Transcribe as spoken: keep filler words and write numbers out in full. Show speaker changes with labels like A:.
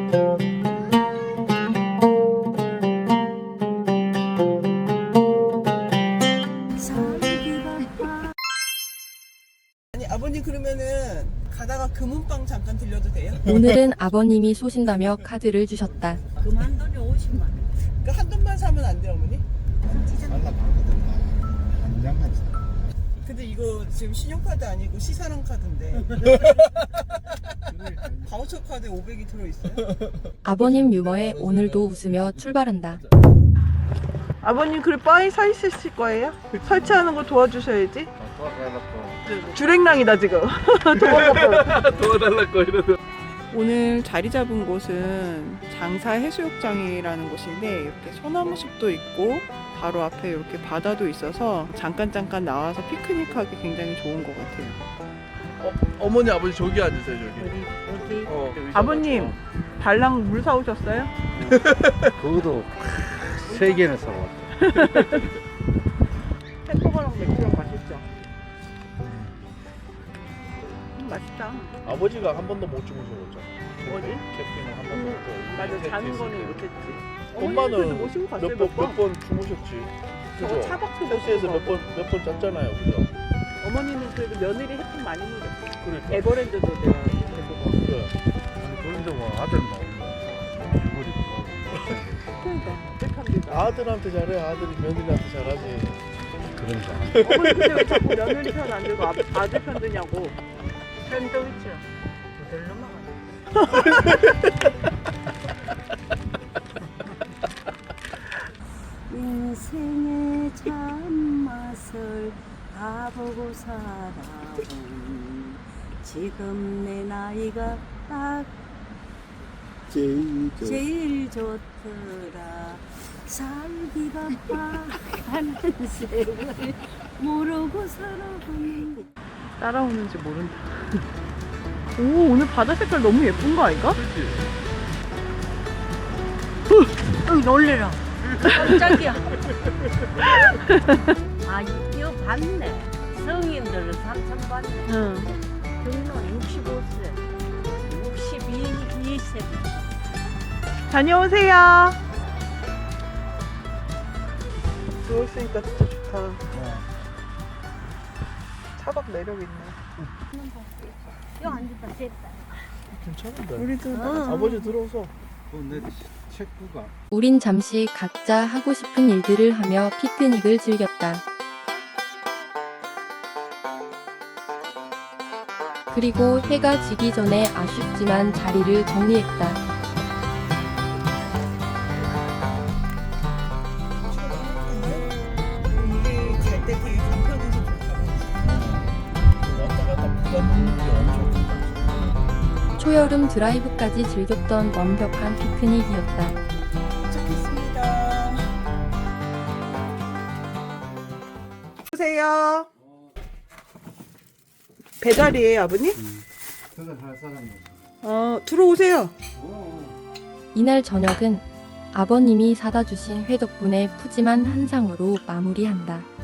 A: 아니 아버님 그러면은 가다가 금은방 잠깐 들려도 돼요?
B: 오늘은 아버님이 쏘신다며 카드를 주셨다.
C: 그만 돈이 오십만 원.
A: 그 한 돈만 사면 안 돼요 어머니?
D: 달라봤거든. 한 장만 사.
A: 근데 이거 지금 신용카드 아니고 시사랑 카드인데 바우처 카드에 오백이 들어있어요?
B: 아버님 유머에 오늘도 웃으며 출발한다.
A: 아버님 그래 바에 서 있으실 거예요? 설치하는 거 도와주셔야지. 주랭랑이다 지금.
E: 도와달라고 이러서.
A: 오늘 자리 잡은 곳은 장사 해수욕장이라는 곳인데 이렇게 소나무 숲도 있고 바로 앞에 이렇게 바다도 있어서 잠깐 잠깐 나와서 피크닉하기 굉장히 좋은 것 같아요.
E: 어, 어머니 아버지 저기 앉으세요 저기.
C: 어디 어디
E: 어, 의자
A: 아버님
E: 맞춰.
A: 달랑 물 사오셨어요?
D: 그것도 세 개는 사왔다.
A: 햄버거랑 맥주랑 맛있죠? 음, 맛있다.
E: 아버지가 한 번도 못 주무셔봤죠.
A: 어디?
E: 캠핑을 한 번도 못.
A: 맞아 자는 거는 못했지.
E: 엄마는
A: 어머니는 그래도 모시고 갔어요,
E: 몇
A: 몇
E: 번
A: 번?
E: 몇 번 주무셨지.
A: 저거
E: 그죠?
A: 차박도
E: 호수에서
A: 모시고
E: 몇 번 몇 번 잤잖아요, 그죠?
A: 어머니는 그래도 며느리 혜택 많이 누렸어.
E: 그러니까.
A: 에버랜드도 내가 데리고
E: 그래.
D: 아니 그런데 뭐 아들 나오면 죽어리고
A: 그러니까 어떡합니까?
E: 아들한테 잘해, 아들이 며느리한테 잘하지.
D: 그런가.
A: 어머니 근데 왜 자꾸 며느리 편 안 들고 아, 아들 편 드냐고.
C: 샌드위치 모델로 먹어. 인생의 참맛을 다 보고 살아온 지금 내 나이가 딱
D: 제일
C: 제일 좋더라. 살기 바빠 하는 세월 모르고 살아보는
A: 따라오는지 모른다. 오 오늘 바다 색깔 너무 예쁜 거 아닌가?
C: 응 놀래라. 깜짝이야. 아 이거 봤네. 성인들은 삼천 봤네.
A: 응.
C: 경로 육십오 세 육십이 세
A: 다녀오세요. 누워있으니까 진짜 좋다. 차박 매력 있네.
C: 여 앉았다 셋다.
E: 괜찮은데.
A: 우리도
C: 응.
E: 아버지 들어오서.
D: 그내 책구가
B: 우린 잠시 각자 하고 싶은 일들을 하며 피크닉을 즐겼다. 그리고 해가 지기 전에 아쉽지만 자리를 정리했다.
A: 이게 갈 때 되게 간편해서
E: 왔다 갔다 부담 게 엄청 크다.
B: 초여름 드라이브까지 즐겼던 완벽한 피크닉이었다.
A: 도착했습니다. 보세요. 배달이에요, 아버님?
D: 그거 할 사람은
A: 어, 들어오세요.
B: 이날 저녁은 아버님이 사다 주신 회 덕분에 푸짐한 한상으로 마무리한다.